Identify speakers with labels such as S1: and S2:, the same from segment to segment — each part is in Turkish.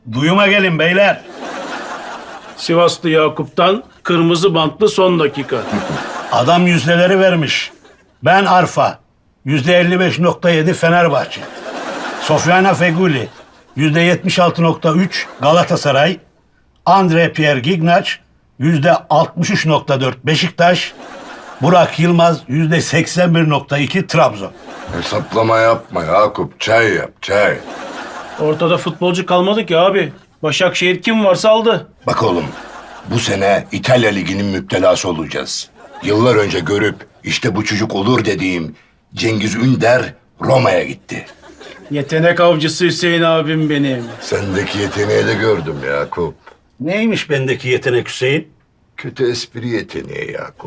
S1: Duyuma gelin beyler.
S2: Sivaslı Yakup'tan kırmızı bantlı son dakika.
S1: Adam yüzdeleri vermiş. Ben Arfa. %55.7 Fenerbahçe. Sofyana Feguli. %76.3 Galatasaray. Andre Pierre Gignac. %63.4 Beşiktaş. Burak Yılmaz %81.2 Trabzon.
S3: Hesaplama yapma Yakup. Çay yap, çay.
S2: Ortada futbolcu kalmadı ki abi. Başakşehir kim varsa aldı.
S3: Bak oğlum, bu sene İtalya Ligi'nin müptelası olacağız. Yıllar önce görüp işte bu çocuk olur dediğim Cengiz Ünder Roma'ya gitti.
S2: Yetenek avcısı Hüseyin abim benim.
S3: Sendeki yeteneği de gördüm Yakup.
S1: Neymiş bendeki yetenek Hüseyin?
S3: Kötü espri yeteneği Yakup.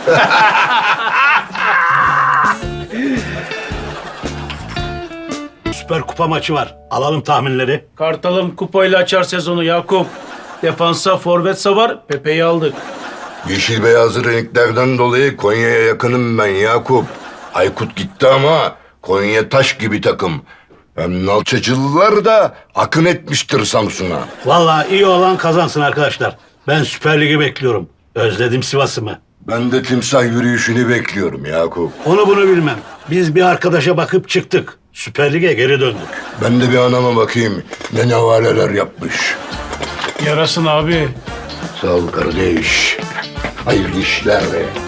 S1: Süper Kupa maçı var. Alalım tahminleri.
S2: Kartalım kupayla açar sezonu Yakup. Defansa forvetsa var. Pepe'yi aldık.
S3: Yeşil beyazlı renklerden dolayı Konya'ya yakınım ben Yakup. Aykut gitti ama Konya taş gibi takım. Hem Nalçacılılar da akın etmiştir Samsun'a.
S1: Vallahi iyi olan kazansın arkadaşlar. Ben Süper Lig'i bekliyorum. Özledim Sivas'ımı.
S3: Ben de timsah yürüyüşünü bekliyorum Yakup.
S1: Onu bunu bilmem. Biz bir arkadaşa bakıp çıktık. Süper Lig'e geri döndük.
S3: Ben de bir anama bakayım ne nevaleler yapmış.
S2: Yarasın abi.
S3: Sağ ol kardeş. Hayırlı işler.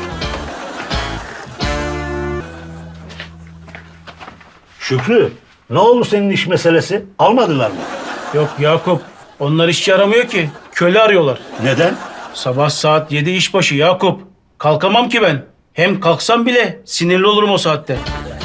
S1: Şükrü, ne oldu senin iş meselesi? Almadılar mı?
S2: Yok Yakup. Onlar işçi aramıyor ki. Köle arıyorlar.
S1: Neden?
S2: Sabah saat 7 işbaşı Yakup. Kalkamam ki ben. Hem kalksam bile sinirli olurum o saatte.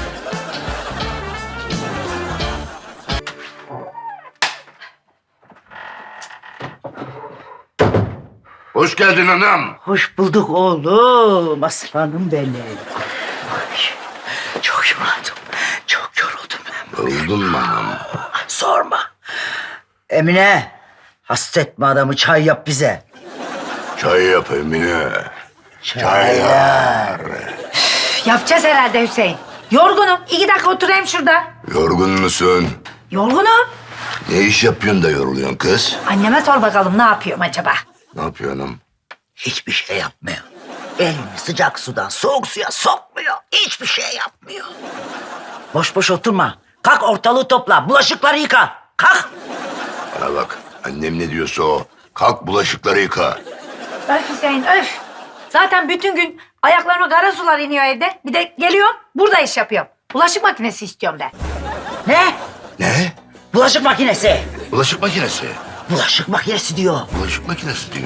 S3: Hoş geldin anam.
S4: Hoş bulduk oğlum. Aslanım benim. Ay, çok yoruldum. Çok yoruldum ben.
S3: Yoruldun mu anam?
S4: Sorma. Emine, hasretme adamı, çay yap bize.
S3: Çay yap Emine.
S4: Çaylar.
S5: Yapacağız herhalde Hüseyin. Yorgunum. 2 dakika oturayım şurada.
S3: Yorgun musun?
S5: Yorgunum.
S3: Ne iş yapıyorsun da yoruluyorsun kız?
S5: Anneme sor bakalım ne yapıyorum acaba?
S3: Ne yapıyorsun anam?
S4: Hiçbir şey yapmıyor. Elini sıcak sudan soğuk suya sokmuyor. Hiçbir şey yapmıyor. Boş boş oturma. Kalk ortalığı topla. Bulaşıkları yıka. Kalk.
S3: Bana bak annem ne diyorsa o. Kalk bulaşıkları yıka.
S5: Öf Hüseyin öf. Zaten bütün gün ayaklarıma kara sular iniyor evde. Bir de geliyorum burada iş yapıyorum. Bulaşık makinesi istiyorum ben.
S4: Ne?
S3: Ne?
S4: Bulaşık makinesi.
S3: Bulaşık makinesi.
S4: Bulaşık makinesi diyor.
S3: Bulaşık makinesi diyor.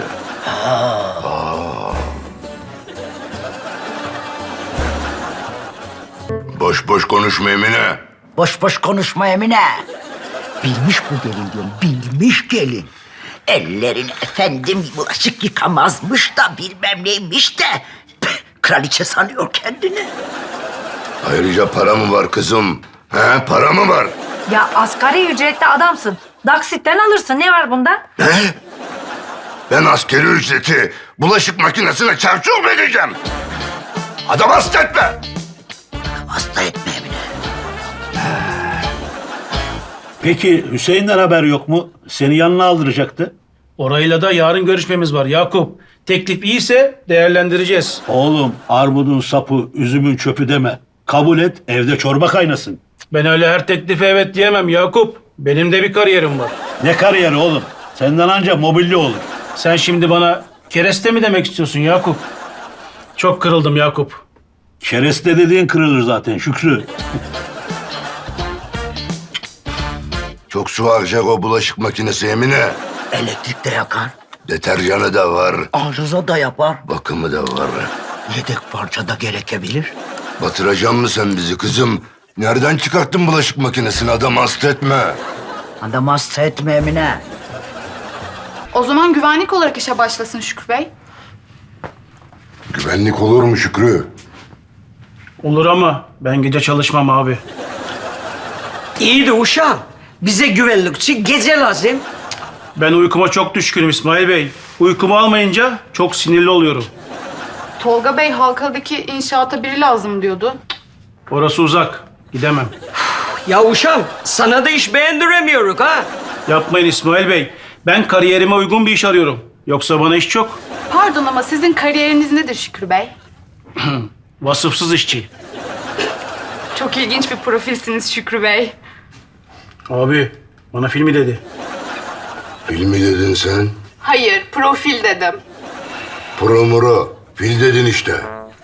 S3: Boş boş konuşma Emine.
S4: Boş boş konuşma Emine. Bilmiş bu gelin diyorum. Bilmiş gelin. Ellerini efendim bulaşık yıkamazmış da bilmem neymiş de. Kraliçe sanıyor kendini.
S3: Ayrıca para mı var kızım? He, para mı var?
S5: Ya asgari ücretli adamsın. Daksitten alırsın. Ne var bunda?
S3: Ne? Ben askeri ücreti bulaşık makinesine çarçur mu edeceğim? Adam hasta etme.
S4: Hasta etme Emine.
S1: Peki Hüseyin'den haber yok mu? Seni yanına aldıracaktı.
S2: Orayla da yarın görüşmemiz var Yakup. Teklif iyiyse değerlendireceğiz.
S1: Oğlum armudun sapı, üzümün çöpü deme. Kabul et, evde çorba kaynasın.
S2: Ben öyle her teklife evet diyemem Yakup. Benim de bir kariyerim var.
S1: Ne kariyeri oğlum? Senden anca mobilya olur.
S2: Sen şimdi bana kereste mi demek istiyorsun Yakup? Çok kırıldım Yakup.
S1: Kereste dediğin kırılır zaten Şükrü.
S3: Çok su harcayacak o bulaşık makinesi Emine.
S4: Elektrik de yakar.
S3: Deterjanı da var,
S4: Arıza da yapar.
S3: bakımı da var.
S4: Yedek parça da gerekebilir.
S3: Batıracak mı sen bizi kızım? Nereden çıkarttın bulaşık makinesini? Adam hasta etme.
S4: Adam hasta etme Emine.
S6: O zaman güvenlik olarak işe başlasın Şükrü Bey.
S3: Güvenlik olur mu Şükrü?
S2: Olur ama ben gece çalışmam abi.
S7: İyi de uşağım. Bize güvenlikçi gece lazım.
S2: Ben uykuma çok düşkünüm İsmail Bey. Uykumu almayınca çok sinirli oluyorum.
S6: Tolga Bey Halkalı'daki inşaata biri lazım diyordu.
S2: Orası uzak. Gidemem.
S7: Ya uşağım sana da iş beğendiremiyoruz ha.
S2: Yapmayın İsmail Bey. Ben kariyerime uygun bir iş arıyorum. Yoksa bana iş çok.
S6: Pardon ama sizin kariyeriniz nedir Şükrü Bey?
S2: Vasıfsız işçi.
S6: Çok ilginç bir profilsiniz Şükrü Bey.
S2: Abi bana filmi dedi.
S3: Filmi dedin sen.
S6: Hayır, profil dedim.
S3: Promuro. Fil dedin işte.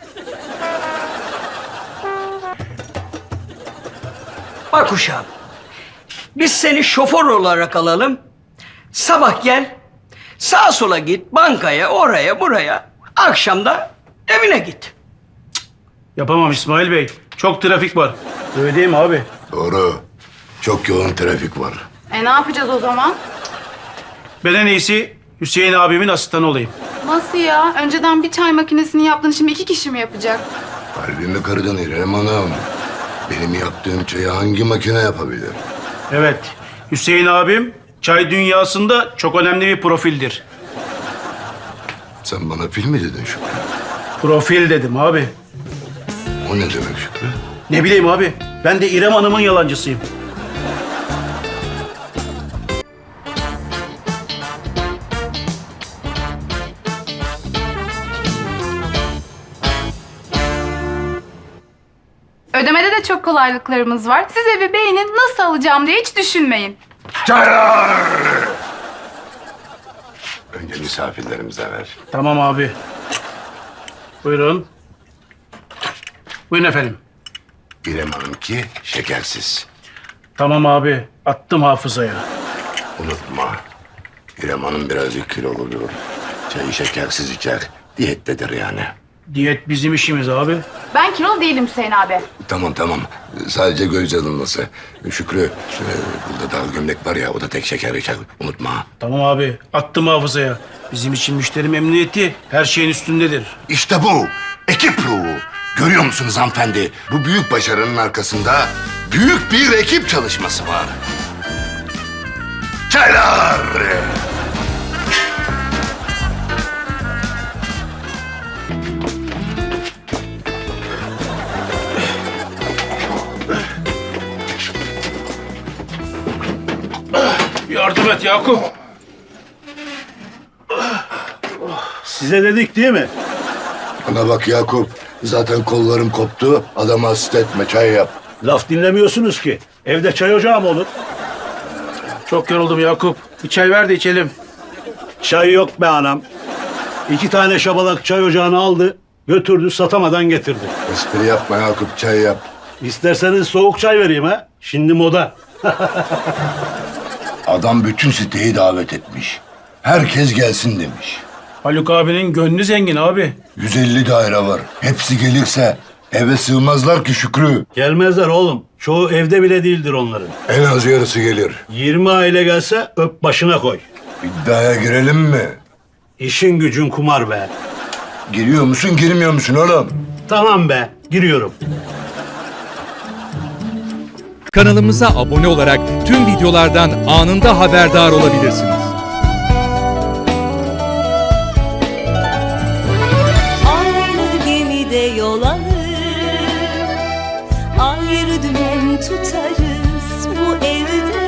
S7: Bak uşağım. Biz seni şoför olarak alalım. Sabah gel. Sağa sola git. Bankaya, oraya, buraya. Akşam da evine git.
S2: Yapamam İsmail Bey. Çok trafik var. Öyle değil mi abi?
S3: Doğru. Çok yoğun trafik var.
S6: Ne yapacağız o zaman?
S2: Ben en iyisi Hüseyin abimin asistanı olayım.
S6: Nasıl ya? Önceden bir çay makinesini yaptın, şimdi 2 kişi mi yapacak?
S3: Kalbimi kırdın İrem Hanım. Benim yaptığım çayı hangi makine yapabilir?
S2: Evet. Hüseyin abim çay dünyasında çok önemli bir profildir.
S3: Sen bana fil mi dedin Şükrü?
S2: Profil dedim abi.
S3: O ne demek Şükrü?
S2: Ne bileyim abi. Ben de İrem Hanım'ın yalancısıyım.
S6: Ödemede de çok kolaylıklarımız var. Siz evi beğenin, nasıl alacağım diye hiç düşünmeyin.
S3: Çaylar! Önce misafirlerimize ver.
S2: Tamam abi. Buyurun. Buyurun efendim.
S3: İrem Hanım ki şekersiz.
S2: Tamam abi. Attım hafızaya.
S3: Unutma. İrem Hanım birazcık kiloludur. Çayı şekersiz içer. Diyettedir yani.
S2: Diyet bizim işimiz abi.
S6: Ben kilolu değilim Hüseyin abi.
S3: Tamam. Sadece göz yanılması. Şükrü, burada daha gömlek var ya, o da tek şeker içer. Unutma.
S2: Tamam abi. Attım hafızaya. Bizim için müşteri memnuniyeti her şeyin üstündedir.
S3: İşte bu. Ekip ruhu. Görüyor musunuz hanımefendi? Bu büyük başarının arkasında büyük bir ekip çalışması var. Çaylar!
S2: Yardım et Yakup.
S1: Size dedik değil mi?
S3: Bana bak Yakup. Zaten kollarım koptu. Adama hasret etme, çay yap.
S1: Laf dinlemiyorsunuz ki. Evde çay ocağı mı olur?
S2: Çok yoruldum Yakup. Bir çay ver de içelim.
S1: Çay yok be anam. 2 tane şabalak çay ocağını aldı, götürdü, satamadan getirdi.
S3: Espri yapma Yakup, çay yap.
S1: İsterseniz soğuk çay vereyim ha. Şimdi moda.
S3: Adam bütün siteyi davet etmiş. Herkes gelsin demiş.
S2: Haluk abinin gönlü zengin abi.
S3: 150 daire var. Hepsi gelirse eve sığmazlar ki Şükrü.
S1: Gelmezler oğlum. Çoğu evde bile değildir onların.
S3: En az yarısı gelir.
S1: 20 aile gelse öp başına koy.
S3: İddiaya girelim mi?
S1: İşin gücün kumar be.
S3: Giriyor musun, girmiyor musun oğlum?
S1: Tamam be, giriyorum.
S8: Kanalımıza abone olarak tüm videolardan anında haberdar olabilirsiniz.
S9: Aynı gemide yol alır, ayrı dümen tutarız bu evde.